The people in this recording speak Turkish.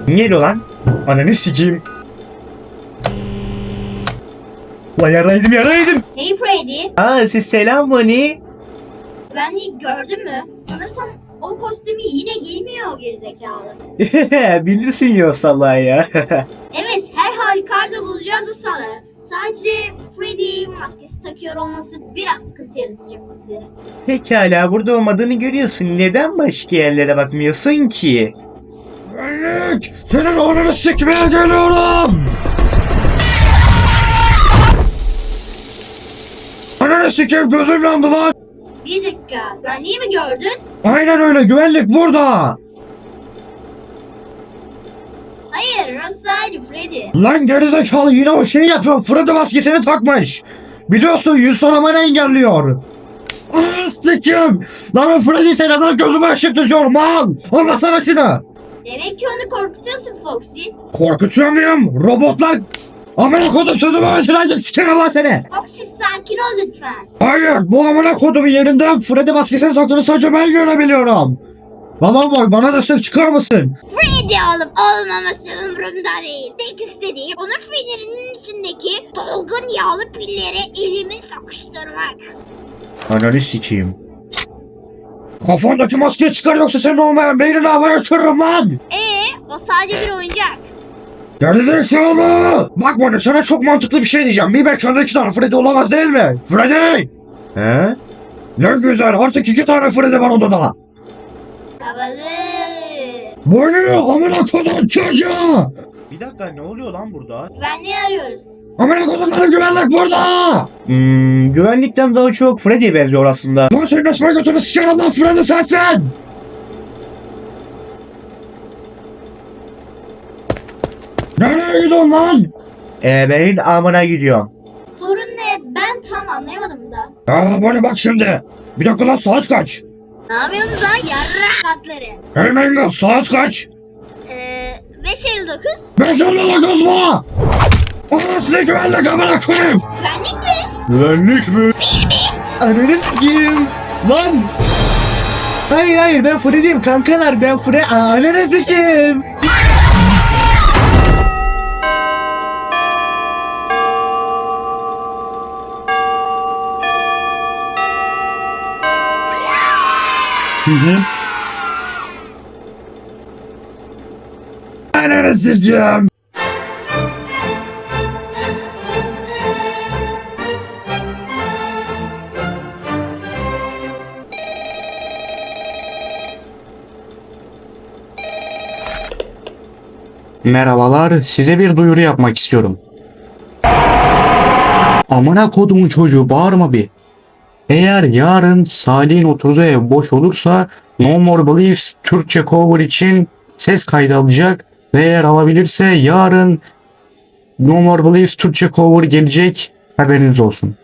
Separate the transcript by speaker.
Speaker 1: Niye lan? Ananı sikeyim. Lan yaraydım.
Speaker 2: Hey Freddy,
Speaker 1: Siz selam Bonnie.
Speaker 2: güvenliği gördün mü? Sanırsam o kostümü yine giymiyor o gerizekalı.
Speaker 1: Bilirsin ya salağı ya.
Speaker 2: Evet, her halükarda bulacağız o salağı. Sadece Freddy maskesi takıyor olması biraz sıkıntı yaratacak bizlere.
Speaker 1: Pekala burada olmadığını görüyorsun. Neden başka yerlere bakmıyorsun ki? Güvenlik! Senin oğlunu sikmeye geliyorum! Ananı sikeyim gözüm yandı lan!
Speaker 2: Bir dakika, güvenliği mi gördün?
Speaker 1: Aynen öyle güvenlik burada!
Speaker 2: Hayır, Rosali Freddy.
Speaker 1: Lan gerizekalı yine o şeyi yapıyor. Freddy maskesini takmış. Biliyorsun yüz sonamanı engelliyor. Ananı sikeyim! Lan o Freddy sen neden gözüme ışık tutuyorum al! Anlasana şunu!
Speaker 2: Demek ki onu korkutuyorsun Foxy.
Speaker 1: Korkutuyor muyum? Robotlar... Amına kodum sözümemesi lazım sikerim lan seni!
Speaker 2: Foxy sakin ol lütfen.
Speaker 1: Hayır bu amına kodumun yerinden Freddy maskesini taktığını sadece ben görebiliyorum. Bana bak bana destek çıkar mısın?
Speaker 2: Freddy olup olmaması umurumda değil. Tek istediğim onun fillerinin içindeki dolgun yağlı pilleri elimi sokuşturmak.
Speaker 1: Ananı sikeyim. Kafandaki maskeyi çıkar yoksa senin olmayan beynini havaya uçururum lan!
Speaker 2: O sadece bir oyuncak.
Speaker 1: Gerizekalı! Bak bana sana çok mantıklı bir şey diyeceğim. Bir mekanda 2 tane Freddy olamaz değil mi? Freddy! He? Ne güzel artık 2 tane Freddy var odada.
Speaker 2: Havalı.
Speaker 1: Bu ne? Amına kodum çocuğu! Bir dakika ne oluyor lan burada?
Speaker 2: Güvenliği arıyoruz.
Speaker 1: Amına kodumların güvenlik burada! Güvenlikten daha çok Freddy'ye benziyor aslında. Lan senin nasıl götünü sikerim lan Freddy sensin! Nereye gidiyorsun lan? Ben amına gidiyorum.
Speaker 2: Sorun ne? Ben tam anlayamadım da.
Speaker 1: Bana bak şimdi. Bir dakika lan saat kaç?
Speaker 2: Ne yapıyorsunuz lan yarra katları?
Speaker 1: Hey Menga saat kaç?
Speaker 2: 5.59.
Speaker 1: 5.59 mu? Anasını güvenlik amına koyayım.
Speaker 2: Güvenlik mi?
Speaker 1: Güvenlik mi? Ananı sikeyim. Lan. Hayır ben Freddy'yim kankalar ben Freddy. Ananı sikeyim. Ananı sikeyim.
Speaker 3: Merhabalar, size bir duyuru yapmak istiyorum. Amına kodumun çocuğu bağırma bir. Eğer yarın Salih'in oturduğu ev boş olursa No More Beliefs Türkçe cover için ses kaydı alacak ve eğer alabilirse yarın No More Beliefs Türkçe cover gelecek, haberiniz olsun.